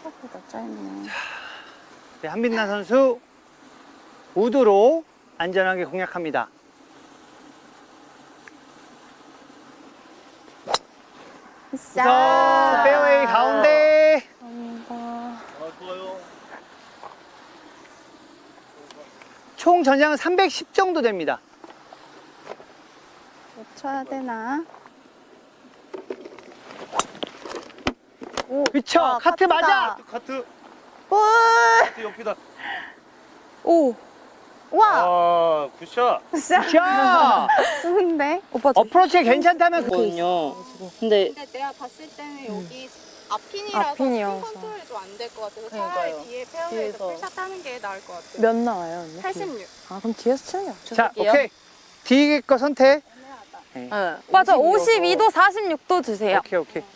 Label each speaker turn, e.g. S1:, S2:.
S1: 생각보다 짧네.
S2: 네, 한빛나 선수 우드로 안전하게 공략합니다.
S1: 자,
S2: 페어웨이 가운데.
S1: 감사합니다.
S3: 좋아요.
S2: 총 전장은 310 정도 됩니다.
S1: 못 쳐야 되나?
S2: 그쵸?
S1: 와,
S2: 카트
S1: 카트다.
S2: 맞아!
S3: 카트.
S1: 볼!
S3: 카트 옆이다.
S1: 오! 와!
S3: 아, 굿샷.
S1: 진짜
S2: 자,
S1: 좋은데? 오빠
S2: 어프로치 괜찮다면
S4: 거든요. 근데
S5: 근데 내가 봤을 때는 여기 앞핀이라서
S1: 앞핀이어서.
S5: 스핀 컨트롤이 좀 안 될 것 같아서
S4: 그러니까요.
S5: 차라리 뒤에 페어웨이에서
S4: 뒤에서.
S5: 풀샷 하는 게 나을 것 같아요.
S1: 몇 나와요, 언니?
S5: 86.
S1: 아, 그럼 뒤에서 치는 게 없죠.
S2: 자, 오케이. 뒤에 거 선택.
S4: 네.
S1: 맞아, 52도 46도 주세요.
S2: 오케이, 오케이.